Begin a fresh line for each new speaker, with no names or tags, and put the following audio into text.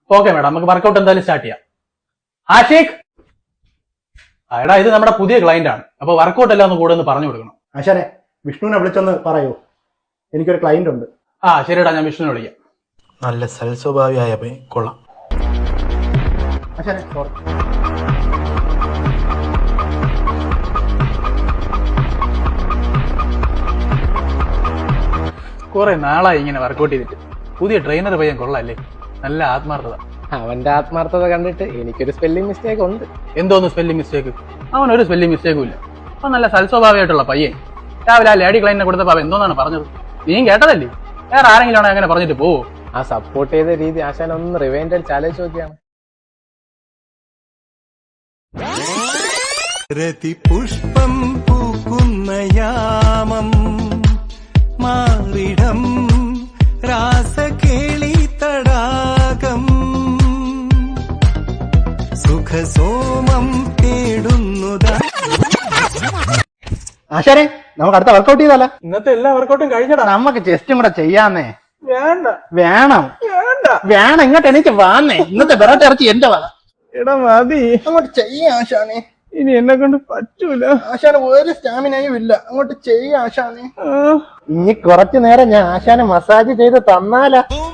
Okay madam, നമുക്ക് workout എന്തായാലും start ചെയ്യാം. ആഷിഖ്, എടാ ഇത് നമ്മുടെ പുതിയ ക്ലയന്റ് ആണ്, അപ്പൊ വർക്കൗട്ട് എല്ലാം ഒന്ന് കൂടെ ഒന്ന് പറഞ്ഞു കൊടുക്കണം.
ആശാനെ വിഷ്ണുവിനെ വിളിച്ചൊന്ന് പറയൂ, എനിക്കൊരു ക്ലയന്റ് ഉണ്ട്.
ശരിടാ, ഞാൻ വിഷ്ണുവിനെ വിളിക്കാം.
നല്ല സൽസ്വഭാവിയായ കൊള്ളാം.
ആശാനെ സോറി.
കുറെ നാളായി ഇങ്ങനെ വർക്കൗട്ട് ചെയ്തിട്ട്. പുതിയ ട്രെയിനർ പയ്യൻ കൊള്ളാല്ലേ, നല്ല ആത്മാർത്ഥത.
അവന്റെ ആത്മാർത്ഥത കണ്ടിട്ട് എനിക്കൊരു സ്പെല്ലിംഗ് മിസ്റ്റേക്ക് ഉണ്ട്.
എന്തോന്ന് സ്പെല്ലിംഗ് മിസ്റ്റേക്ക്? അവനൊരു സ്പെല്ലിംഗ് മിസ്റ്റേക്കും ഇല്ല. അപ്പൊ നല്ല സൽസ്വഭാവിയായിട്ടുള്ള പയ്യൻ. രാവിലെ ആ ലേഡി ക്ലൈന്റിനെ കൊടുത്തപ്പോ അവൻ എന്തോന്നാണ് പറഞ്ഞത്? നീയും കേട്ടതല്ലേ? വേറെ ആരെങ്കിലും ആണോ അങ്ങനെ പറഞ്ഞിട്ട് പോവോ?
ആ സപ്പോർട്ട് ചെയ്ത രീതി ആശാൻ ഒന്ന് റിവൈൻഡ് ചാലഞ്ച് നോക്കിയാണ്.
രതിപുഷ്പം പൂക്കുന്ന യാമം മാറിടം രാസകേളി തടാകം സുഖസോമം തേടുന്നതാ.
ആശാനെ നമുക്ക് അടുത്ത വർക്കൗട്ട് ചെയ്താലോ?
ഇന്നത്തെ എല്ലാ വർക്കൗട്ടും കഴിഞ്ഞടാ.
നമുക്ക് ചെസ്റ്റും കൂടെ ചെയ്യാന്നേ.
വേണ്ട
വേണം
വേണ്ട
വേണം, ഇങ്ങോട്ട് എനിക്ക് വാന്നേ. ഇന്നത്തെ ബെറോട്ട ഇറച്ചി എന്റെ വാ.
എടാ മതി,
അങ്ങോട്ട് ചെയ്യാ ആശാനെ.
ഇനി എന്നെ കൊണ്ട് പറ്റൂല
ആശാന് ഒരു സ്റ്റാമിനയും ഇല്ല, അങ്ങോട്ട് ചെയ്യാ ആശാനെ. ഇനി കുറച്ചു നേരം ഞാൻ ആശാനെ മസാജ് ചെയ്ത് തന്നാലാ.